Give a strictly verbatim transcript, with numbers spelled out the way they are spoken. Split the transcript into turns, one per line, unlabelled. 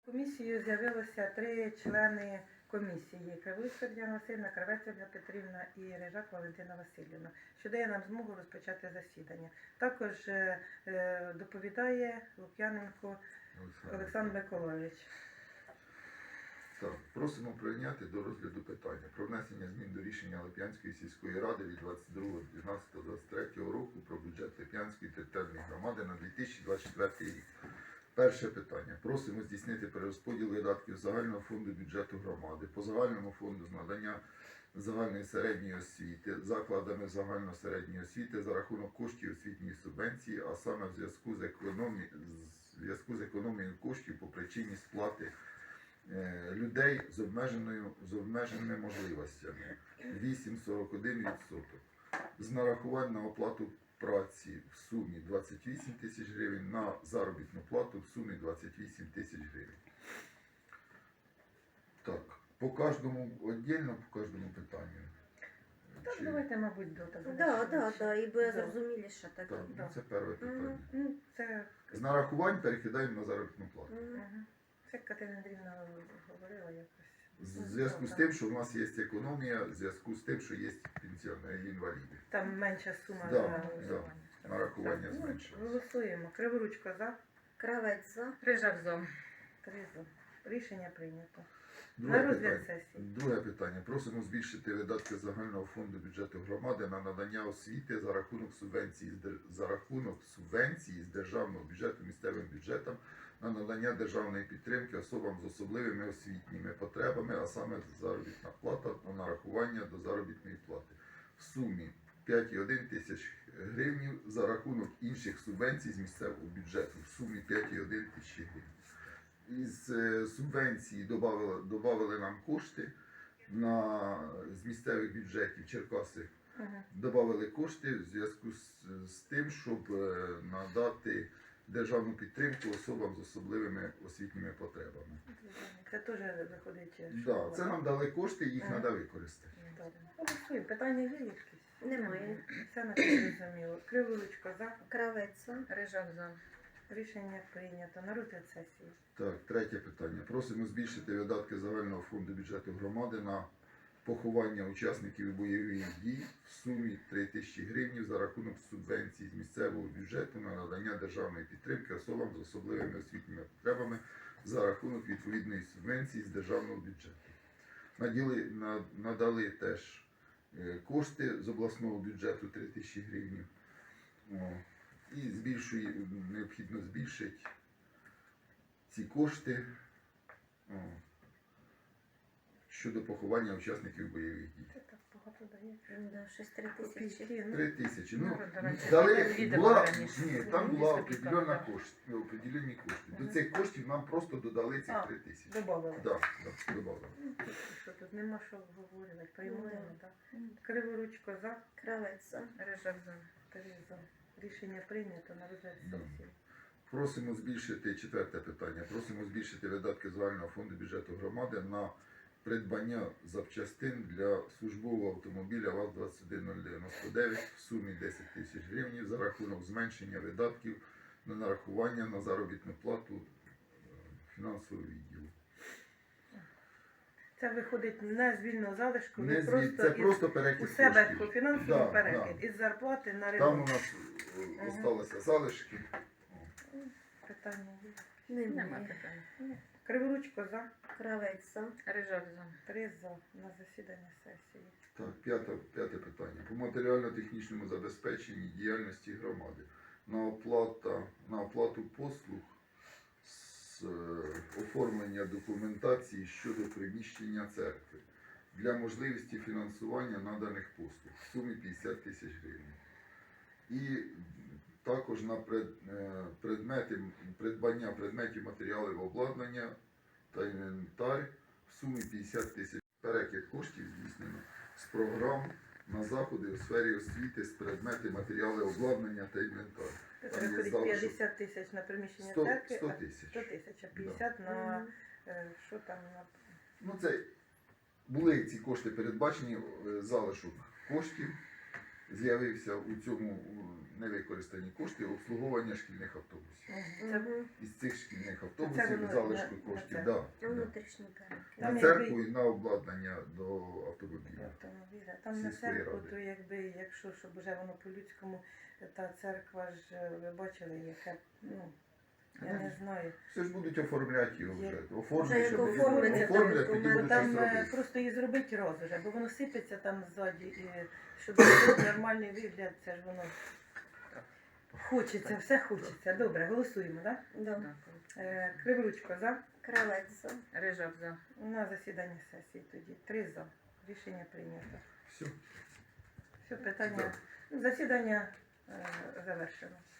Комісією з'явилося три члени комісії: Кривуська Діана Васильівна, Кравець Ольга Петрівна і Рижак Валентина Васильівна, що дає нам змогу розпочати засідання. Також е, е, доповідає Лук'яненко Олександр Миколайович.
Так, просимо прийняти до розгляду питання про внесення змін до рішення Лип'янської сільської ради від двадцять другого дванадцятого двадцять третього року про бюджет Лип'янської територіальної громади на дві тисячі двадцять четвертий рік. Перше питання. Просимо здійснити перерозподіл видатків загального фонду бюджету громади по загальному фонду з надання загальної середньої освіти закладами загально-середньої освіти за рахунок коштів освітньої субвенції, а саме в зв'язку з економією, зв'язку з економією коштів по причині сплати е, людей з обмеженою з обмеженими можливостями вісім цілих сорок один відсоток. З нарахувань на оплату праці в сумі двадцять вісім тисяч гривень, на заробітну плату в сумі двадцять вісім тисяч гривень. Так, по кожному віддільно, по кожному питанню.
Так,
Чи-
давайте, мабуть, до того.
Так, так, так, і буде
Да.
зрозуміліше так.
Так, ну,
Да.
це перше питання.
Ну, це,
З нарахувань перекидаємо на заробітну плату.
Мгм.
Мгм. Це Катерина Андріївна говорила якось.
В зв'язку з тим, що в нас є економія, в зв'язку з тим, що є пенсіонери, інваліди.
Там менша сума
Да,
на
да.
голосування.
Нарахування
Так, ну,
зменшилось.
Голосуємо. Криворучко за.
Кравець за.
Рижак за.
Три за. Рішення прийнято.
Друге
На розгляд
питання.
сесії.
Друге питання. Просимо збільшити видатки загального фонду бюджету громади на надання освіти за рахунок субвенції з дер- за рахунок субвенції з державного бюджету місцевим бюджетам на надання державної підтримки особам з особливими освітніми потребами, а саме заробітна плата та нарахування до заробітної плати в сумі п'ять цілих одна тисяч гривень за рахунок інших субвенцій з місцевого бюджету в сумі п'ять цілих одна тисячі гривень. Із е, субвенції добавили, добавили нам кошти на, з місцевих бюджетів Черкаси.
Мгм.
Добавили кошти в зв'язку з, з тим, щоб е, надати державну підтримку особам з особливими освітніми потребами.
Це теж виходить. що
Да, це нам дали кошти, їх
Ага.
треба використати.
Добре. Голосуємо. Питання є якісь?
Немає.
Це на зрозуміло. Криворучко за.
Кравець за.
Рижак за.
Рішення прийнято. На розгляд сесії.
Так, третє питання. Просимо збільшити видатки загального фонду бюджету громади на поховання учасників бойових дій в сумі три тисячі гривень за рахунок субвенцій з місцевого бюджету на надання державної підтримки особам з особливими освітніми потребами за рахунок відповідної субвенції з державного бюджету. Наділи, на, надали теж е, кошти з обласного бюджету три тисячі гривень. О, і збільшує, необхідно збільшити ці кошти о, щодо поховання учасників бойових дій.
Це так багато дає.
Да, щось три тисячі.
Копійки, ну.
Три тисячі. Ну,
Ну, давайте
дали,
віддамо
була,
раніше.
ні,
Ну,
там
мені
була
собі
определенна
так, да.
кошти, определені кошти. До
Мгм.
цих коштів нам просто додали цих
А,
три тисячі.
Добавили.
Так, да, додали.
Що тут нема що говорити. Приймаємо,
Ну,
так? Криворучко за.
Кравець за.
Рижак за.
Три за. Рішення прийнято. На розгляд
Да.
сесії.
Просимо збільшити, четверте питання, просимо збільшити видатки загального фонду бюджету громади на придбання запчастин для службового автомобіля ВАЗ двадцять один нуль дев'яносто дев'ять в сумі десять тисяч гривень за рахунок зменшення видатків на нарахування на заробітну плату е, фінансового відділу.
Це виходить не з вільного залишку,
Не
ви
звід,
просто,
це
із-
просто перекид
у себе
коштів.
по фінансовий
Да,
перекид.
да.
Із зарплати на
Там у
ремонт.
нас е,
Мгм.
осталися залишки.
Питання є.
Нема
Немає.
питань.
Криворучко за.
Кравець за.
Рижак за.
Три за. На засідання сесії.
Так, п'яте, п'яте питання. По матеріально-технічному забезпеченні діяльності громади. На, оплата, на оплату послуг з е, оформлення документації щодо приміщення церкви для можливості фінансування наданих послуг в сумі п'ятдесят тисяч гривень. І також на пред, е, предмети, придбання предметів матеріалів обладнання та інвентар в сумі п'ятдесят тисяч. Перекид коштів здійснено з програм на заходи у сфері освіти з предмети, матеріали обладнання та інвентар.
Це
Там є
виходить
залишок
п'ятдесят тисяч на приміщення
сто,
церкви,
сто
а
тисяч.
сто тисяч, а п'ятдесят на
Мгм.
е, що там на
Ну, це були ці кошти передбачені, е, залишок коштів з'явився у цьому у невикористані кошти обслуговування шкільних автобусів.
Мгм. Це
Мгм.
Із цих шкільних
Це
автобусів
воно
залишку
на- на
коштів
це.
да,
На
да.
внутрішній перелік.
Там
на
якби-
церкву і на обладнання до автомобіля.
автомобіля. Там на
Сільської
церкву,
ради.
то якби, якщо щоб вже воно по-людському, та церква ж, е, ви бачили, яке, ну, я не знаю.
Все ж будуть оформляти його
Є.
вже.
Вже
Оформлять,
як
щоб
оформиться, там
оформлять, тоді
документи.
будуть
Там
щось
е,
робити.
просто її зробити роз уже, бо воно сипеться там ззаді, і щоб зробити нормальний вигляд, це ж воно хочеться, все хочеться. Добре, голосуємо, так?
Да.
Е, Криворучко за.
Кравець за.
Рижак за.
На засіданні сесії тоді. Три за. Рішення прийнято.
Все.
Все, питання. Засідання е, завершено.